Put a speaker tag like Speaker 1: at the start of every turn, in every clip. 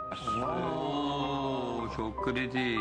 Speaker 1: Oo, çok kritik.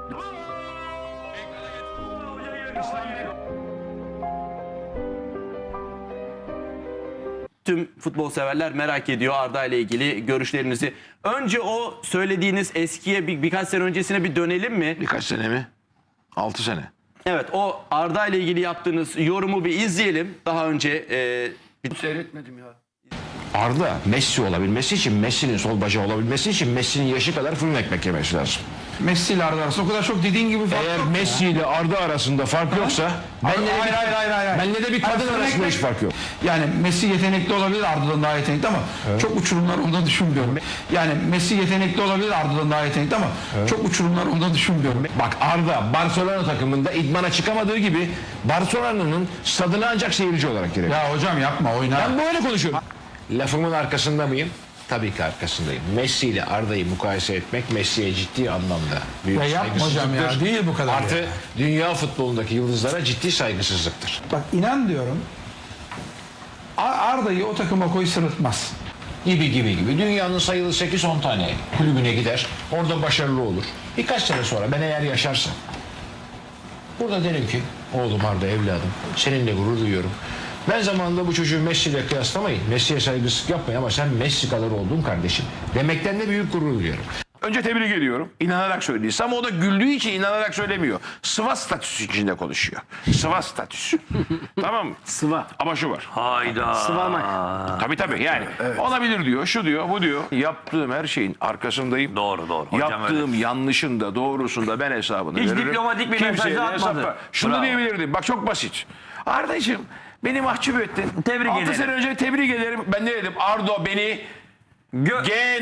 Speaker 2: Tüm futbol severler merak ediyor Arda ile ilgili görüşlerinizi. Önce o söylediğiniz eskiye birkaç sene öncesine bir dönelim mi?
Speaker 3: Birkaç sene mi? 6 sene.
Speaker 2: Evet, o Arda ile ilgili yaptığınız yorumu bir izleyelim. Daha önce
Speaker 1: Seyretmedim ya.
Speaker 4: Arda Messi olabilmesi için, Messi'nin sol bacağı olabilmesi için Messi'nin yaşı kadar fırın ekmek yemesi lazım.
Speaker 5: Messi ile Arda arasında o kadar çok dediğin gibi fark
Speaker 4: Eğer
Speaker 5: yok ya.
Speaker 4: Messi ile Arda arasında fark yoksa benle de bir kadın arasında hiç fark yok.
Speaker 5: Yani Messi yetenekli olabilir, Arda'dan daha yetenekli ama çok uçurumlar onda düşünmüyorum. Yani Messi yetenekli olabilir, Arda'dan daha yetenekli ama çok uçurumlar onda düşünmüyorum.
Speaker 4: Bak Arda Barcelona takımında idmana çıkamadığı gibi Barcelona'nın stadına ancak seyirci olarak girebilir.
Speaker 5: Ya hocam yapma, oyna.
Speaker 4: Ben böyle konuşuyorum. Lafımın arkasında mıyım? Tabii ki arkasındayım. Messi ile Arda'yı mukayese etmek Messi'ye ciddi anlamda büyük
Speaker 5: Ya yapma hocam
Speaker 4: saygısızlıktır.
Speaker 5: ya, değil bu kadar
Speaker 4: Artı
Speaker 5: ya.
Speaker 4: dünya futbolundaki yıldızlara ciddi saygısızlıktır.
Speaker 5: Bak inan diyorum, Arda'yı o takıma koy sırıtmaz.
Speaker 4: Gibi. Dünyanın sayılı 8-10 tane kulübüne gider. Orada başarılı olur. Birkaç sene sonra ben eğer yaşarsam burada derim ki oğlum Arda evladım seninle gurur duyuyorum. Ben zamanında bu çocuğu Messi ile kıyaslamayın. Messi'ye saygısızlık yapmayın ama sen Messi kadar oldun kardeşim. Demekten de büyük gurur duyuyorum.
Speaker 3: Önce tebrik ediyorum. İnanarak söyledi. Ama o da güldüğü için inanarak söylemiyor. Sıva statüsü içinde konuşuyor. Sıva statüsü. Tamam mı?
Speaker 1: Sıva.
Speaker 3: Ama şu var.
Speaker 1: Hayda. Sıvamak.
Speaker 3: Tabii yani. Olabilir diyor. Şu diyor, bu diyor. Yaptığım her şeyin arkasındayım.
Speaker 1: Doğru. Hocam
Speaker 3: Yaptığım
Speaker 1: öyle.
Speaker 3: yanlışında, doğrusunda ben hesabını
Speaker 1: Hiç
Speaker 3: veririm.
Speaker 1: diplomatik bir
Speaker 3: Kimseye
Speaker 1: mesaj
Speaker 3: de
Speaker 1: atmadı.
Speaker 3: hesap ver. Şunu
Speaker 1: Bravo.
Speaker 3: diyebilirdim. Bak çok basit. Ardacığım beni mahcup ettin.
Speaker 1: Tebrik
Speaker 3: 6
Speaker 1: ederim.
Speaker 3: sene önce tebrik ederim. Ben ne dedim? Ardo beni G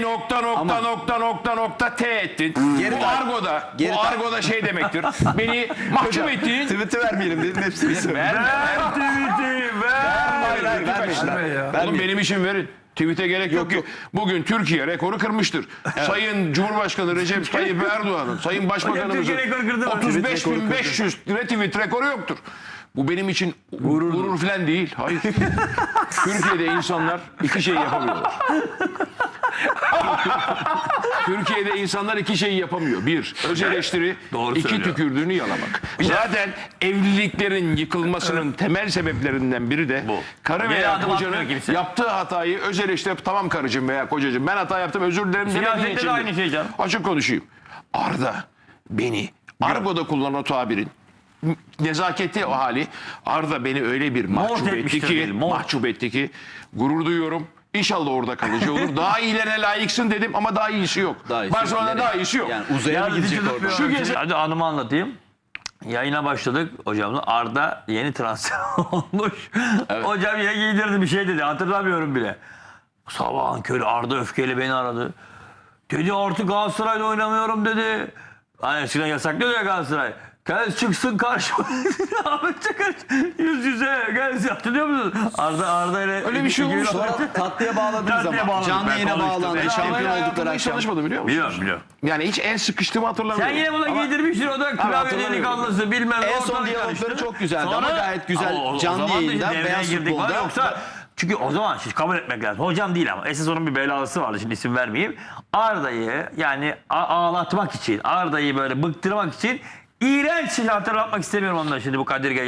Speaker 3: T ettin. Bu argoda şey demektir. Beni mahcup ettin.
Speaker 2: tweet'i vermeyelim dedim, hepsini söyleyeyim.
Speaker 3: Oğlum benim için verin. Tweet'e gerek yok ki. Bugün Türkiye rekoru kırmıştır. Sayın Cumhurbaşkanı Recep Tayyip Erdoğan'ın, Sayın Başbakanımızın
Speaker 1: Türkiye rekoru kırdı mı?
Speaker 3: 35.500 retweet rekoru yoktur. Bu benim için gurur falan değil. Hayır. Türkiye'de insanlar iki şey yapamıyorlar. Türkiye'de insanlar iki şeyi yapamıyor. Bir, öz eleştiri.
Speaker 1: Doğru
Speaker 3: iki,
Speaker 1: söylüyor.
Speaker 3: tükürdüğünü yalamak. Zaten evliliklerin yıkılmasının temel sebeplerinden biri de
Speaker 1: Bu.
Speaker 3: karı
Speaker 1: Geri
Speaker 3: veya
Speaker 1: adım
Speaker 3: kocanın
Speaker 1: atmıyor kimse.
Speaker 3: yaptığı hatayı öz eleştirip tamam karıcığım veya kocacığım ben hata yaptım özür dilerim demediği
Speaker 1: Siyasette de
Speaker 3: için.
Speaker 1: aynı şey canım.
Speaker 3: Açık konuşayım. Arda beni argoda kullanan o tabirin nezaketi o hali Arda beni öyle bir mahcup etti ki gurur duyuyorum. İnşallah orada kalıcı olur. Daha iyilerine layıksın dedim ama daha iyisi yok. Barcelona'da daha iyisi yok.
Speaker 2: Yani uzaya mı gidecek orada?
Speaker 3: Şu gezi
Speaker 1: Hadi anımı anlatayım. Yayına başladık hocamla. Arda yeni transfer olmuş. Hocam yine giydirdi bir şey dedi. Hatırlamıyorum bile. Sabahın körü Arda öfkeyle beni aradı. Dedi artık Galatasaray'da oynamıyorum dedi. Hani eskiden yasaklıyor ya Galatasaray. Gel çıksın karşıma. Ahmet Çakar yüz yüze gelsin. Hatırlıyor musun? Arda ile
Speaker 3: öyle bir şey olmuş.
Speaker 2: Sonra tatlıya bağladınız
Speaker 1: Tatlıya
Speaker 2: ama.
Speaker 1: bağladık.
Speaker 2: Canlı
Speaker 1: Ben
Speaker 2: yayına
Speaker 1: konuştum.
Speaker 2: bağlandı.
Speaker 1: Ben
Speaker 2: Şampiyon
Speaker 3: hayatımda
Speaker 2: oldukları
Speaker 3: hiç
Speaker 2: akşam.
Speaker 3: çalışmadım biliyor musun?
Speaker 1: Biliyorum.
Speaker 3: Yani hiç en sıkıştığımı hatırlamıyorum.
Speaker 1: Sen yine buna giydirmişsin o da klavye
Speaker 2: hatırlamıyorum.
Speaker 1: delikanlısı bilmem ne.
Speaker 2: En son
Speaker 1: ortalık
Speaker 2: diyalogları
Speaker 1: karıştı.
Speaker 2: çok güzeldi ama gayet güzel
Speaker 1: Ama
Speaker 2: canlı
Speaker 1: zaman da işte
Speaker 2: yayında,
Speaker 1: devreye
Speaker 2: Beyaz
Speaker 1: girdik var.
Speaker 2: Futbol'da.
Speaker 1: Yoksa çünkü o zaman şimdi kabul etmek lazım. Hocam değil ama esas onun bir belalısı vardı. Şimdi isim vermeyeyim. Arda'yı yani ağlatmak için, Arda'yı böyle bıktırmak için iğrenç şey hatırlatmak istemiyorum ondan şimdi bu Kadir